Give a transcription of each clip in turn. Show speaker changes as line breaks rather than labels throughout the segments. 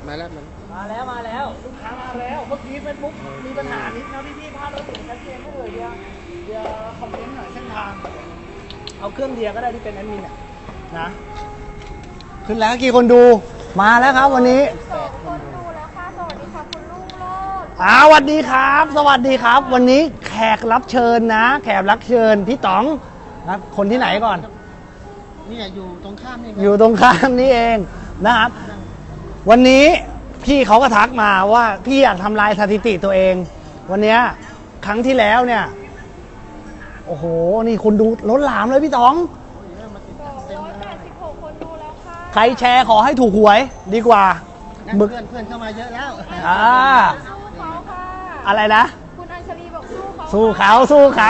มาแล้ว
มาแล้วลูกค้ามาแล้วเมื่อกี้เฟซบุ๊กมีปัญหานิดนะพี่ภาพเราเสียงชัดเจนไม่เลยเดี๋ยวคอมเมนต์หน่อยเส้นทางเอาเครื่องเดียวก็ได้ที่เป็นแอดมินนะขึ้นแล้วกี่คนดูมาแล้วครับวันนี้
คนดูแล้วค่ะสวัสดีค่ะคุณลุงโลด
สวัสดีครับสวัสดีครับวันนี้แขกรับเชิญนะแขกรับเชิญพี่ต๋องนะคนที่ไหนก่อน
นี่อยู่ตรงข้ามนี่
อยู่ตรงข้ามนี่เองนะครับวันนี้พี่เขาก็ทักมาว่าพี่อยากทำลายสถิติตัวเองวันนี้ครั้งที่แล้วเนี่ยโอ้โหนี่คุณดูล้นหลามเลยพี่ต๋อง
286คนดูแล้วค่ะ
ใครแชร์ขอให้ถูกหวยดีกว่า
เพื่อนเข้ามาเยอะแล้ว
สู้เขาค่ะ
อะไรนะ
คุณอัญชลีบอก
สู้เขาสู้เขา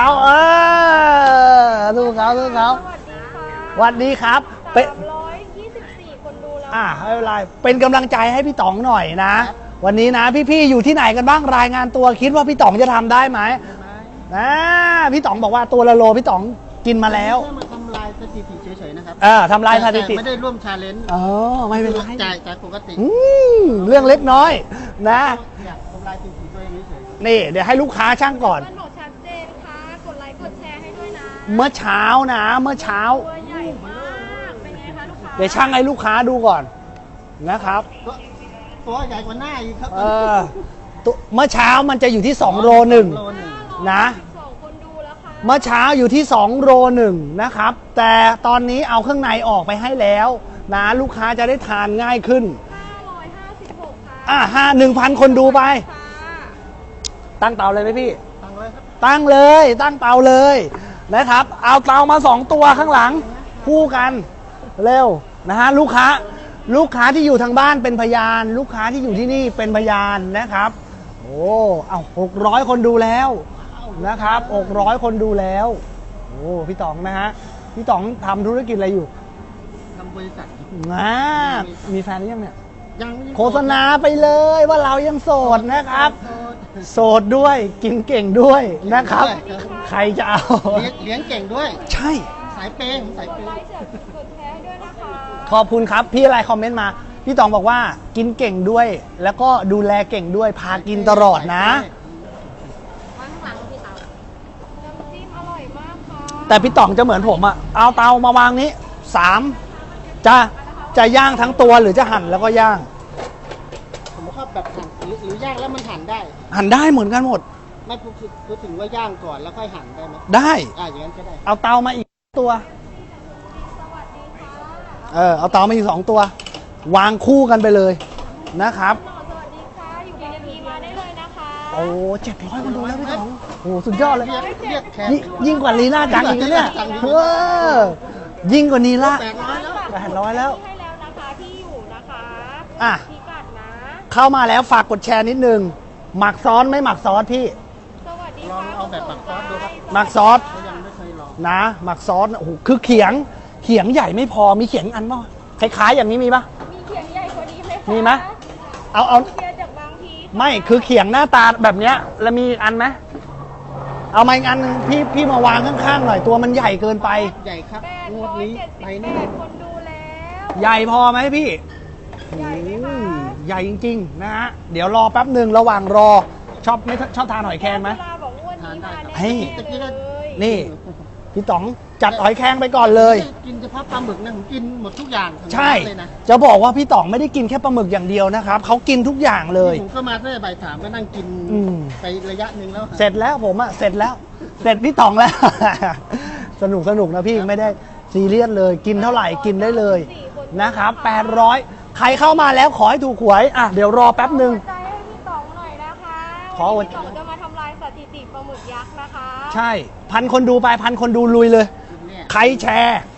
สวัสดีครับ
324คนดูแล้ว
ไม่เป็นไรเป็นกำลังใจให้พี่ต๋องหน่อยนะวันนี้นะพี่ๆอยู่ที่ไหนกันบ้างรายงานตัวคิดว่าพี่ต๋องจะทำได้ไหมนะพี่ต๋องบอกว่าตัวละโลพี่ต๋องกินมาแล้ว
มาทำลายสถิติเฉยๆนะครับ
ทำลายสถิติ
ไม่ได้ร่วมชาเลนจ์
ไม่เป็นไร
จ่ายปกติ
เรื่องเล็กน้อยนะ
อยากทำลายสถิติตัวเองเฉย
ๆนี่เดี๋ยวให้ลูกค้าช่างก่อน
บอกชัดเจนค่ะกดไลค์กดแชร์ให้ด้วยนะ
เมื่อเช้า
ตัวใหญ่มากเป็นไงคะลูกค้า
เดี๋ยวช่างให้ลูกค้าดูก่อนนะครับ
ตัวใหญ่กว่าหน้าอีกครับ
เมื่อเช้ามันจะอยู่ที่2โล1นะเมื่อเช้าอยู่ที่2โล1นะครับแต่ตอนนี้เอาเครื่องในออกไปให้แล้วนะลูกค้าจะได้ทานง่ายขึ้น
556ค่ะ
1,000 คนดูไปตั้งเตาเลยไหมพี่
ตั้งเลยครับ
ตั้งเตาเลยนะครับเอาเตามา2ตัวข้างหลังคู่กันเร็วนะฮะลูกค้าที่อยู่ทางบ้านเป็นพยานลูกค้าที่อยู่ที่นี่เป็นพยานนะครับโอ้เอา600 คนดูแล้วนะครับ600 คนดูแล้วโอ้พี่ต๋องนะฮะพี่ต๋องทำธุรกิจอะไรอยู่
ทำบริษัท
มีแฟนหรือยังเนี่ย
ยัง
โฆษณาไปเลยว่าเรายังโสดนะครับโสดด้วยกินเก่งด้วยนะครับใครจะเอา
เลี้ยงเก่งด้วย
ใช่
สายเปย์
ขอบคุณครับพี่อะไรคอมเมนต์มาพี่ต๋องบอกว่ากินเก่งด้วยแล้วก็ดูแลเก่งด้วยพากินตลอดนะแต่พี่ต๋องจะเหมือนผมเอาเตามาวางนี้3จะย่างทั้งตัวหรือจะหั่นแล้วก็ย่าง
ผมชอบแบบหั่นหรือย่างแล้วมันหั่น
ได้เหมือนกันหมด
ไม่พูดถึงว่าย่างก่อนแล้วค่อยหั่นได้ไหม
ได้
อย่างนั้นก็ได้
เอาเตามาอีกตัวเอาเตามาอีก2ตัววางคู่กันไปเลยนะครับ
สวัสดีค่ะอยู่ในทีมาได้เลยนะคะ
โอ้700 คนดูแล้วพี่ต๋องโอ้สุดยอดเลยยิ่งกว่าลีลาจังอีกนะเนี่ยยิ่งกว่านีล่า800แล้ว
ให้แล้วนะคะที่อยู่นะคะพิกัดนะ
เข้ามาแล้วฝากกดแชร์นิดนึงหมักซอสไม่หมักซอสพี่
สวัสดี
ค่ะลองเอาแบบหมักซอสดูครับ
หมักซอส
ยังไม่เคยลอง
นะหมักซอสโอ้โหคือเขียงใหญ่ไม่พอมีเขียงอันป่ะคล้ายๆอย่างนี้มีป่ะ
มีเขียงใหญ่กว่านี้ไหม
มีไหมเอา
เขียงจากบางที
ไม่คือเขียงหน้าตาแบบเนี้ยแล้วมีอันไหมเอามาอีกอันนึงพี่มาวางข้างๆหน่อยตัวมันใหญ่เกินไป
ใหญ่ครับงวดนี้ไปแน่
คนดูแล้ว
ใหญ่พอไหมพี่
ใหญ่ไหมคะ
ใหญ่จริงๆนะฮะเดี๋ยวรอแป๊บหนึ่งระหว่างรอชอบทานหอยแครงไหม
ทานได้
นี่พี่ต๋องจัดหอยแครงไปก่อนเลย
กินเฉพาะปลาหมึกนะผมกินหมดทุกอย่าง
ใช่จะบอกว่าพี่ต๋องไม่ได้กินแค่ปลาหมึกอย่างเดียวนะครับเขากินทุกอย่างเลย
ผมก็มาตั้งแต่บ่าย3ก็นั่งกินไประยะหนึ่งแล้ว
เสร็จแล้วผมเสร็จพี่ต๋องแล้วสนุกนะพี่ไม่ได้ซีเรียสเลยกินเท่าไหร่กินได้เลยนะครับ800ใครเข้ามาแล้วขอให้ถูกหวยเดี๋ยวรอแป๊บหนึ่ง
ใจให้พี่ต๋องหน่อยนะคะพี่ต๋องจะมาทำลายสถิติปลาหมึกยักษ์นะคะ
ใช่1,000 คนดูไป1,000 คนดูลุยเลยใครแชร์